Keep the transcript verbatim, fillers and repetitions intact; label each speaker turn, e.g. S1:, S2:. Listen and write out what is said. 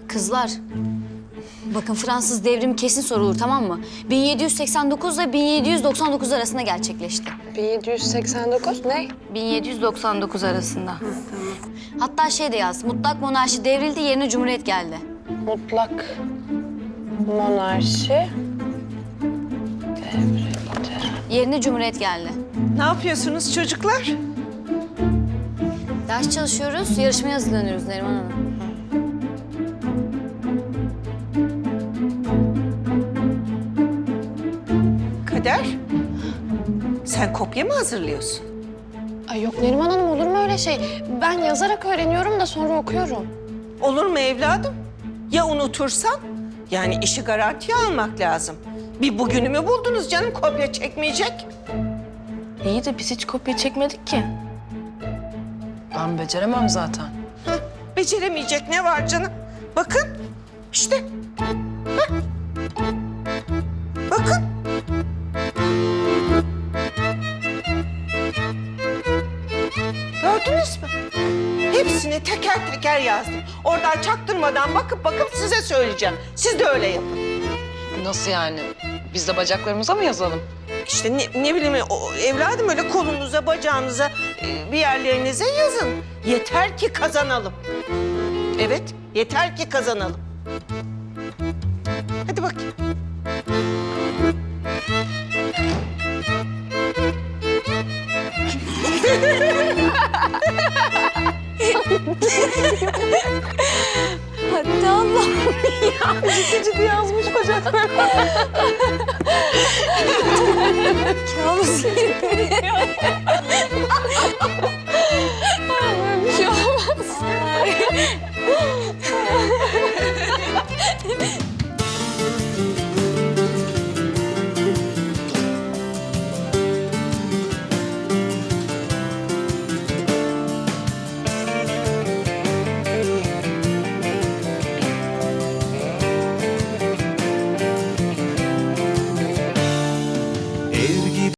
S1: Kızlar, bakın Fransız devrimi kesin sorulur, tamam mı? bin yedi yüz seksen dokuz ile bin yedi yüz doksan dokuz arasında gerçekleşti.
S2: bin yedi yüz seksen dokuz ne?
S1: bin yedi yüz doksan dokuz arasında. Hatta şey de yaz, mutlak monarşi devrildi, yerine cumhuriyet geldi.
S2: Mutlak monarşi devrildi.
S1: Yerine cumhuriyet geldi.
S3: Ne yapıyorsunuz çocuklar?
S1: Ders çalışıyoruz, yarışmaya hazırlanıyoruz Neriman Hanım.
S3: Kader, sen kopya mı hazırlıyorsun?
S2: Ay yok Neriman Hanım, olur mu öyle şey? Ben yazarak öğreniyorum da sonra okuyorum.
S3: Olur mu evladım? Ya unutursan? Yani işi garantiye almak lazım. Bir bugünümü buldunuz canım, kopya çekmeyecek.
S4: İyi de biz hiç kopya çekmedik ki. Ben beceremem zaten.
S3: Hah, beceremeyecek ne var canım? Bakın, işte. Hah. Bakın. Gördünüz mü? Hepsini teker teker yazdım. Oradan çaktırmadan bakıp bakıp size söyleyeceğim. Siz de öyle yapın.
S4: Nasıl yani? Biz de bacaklarımıza mı yazalım?
S3: İşte ne, ne bileyim o, evladım öyle kolunuza, bacağınıza, e, bir yerlerinize yazın. Yeter ki kazanalım. Evet, yeter ki kazanalım. Hadi bakayım.
S1: Hadi Allah'ım ya.
S4: Ciddi ciddi yazmış bacaklar.
S1: Kabus gibi.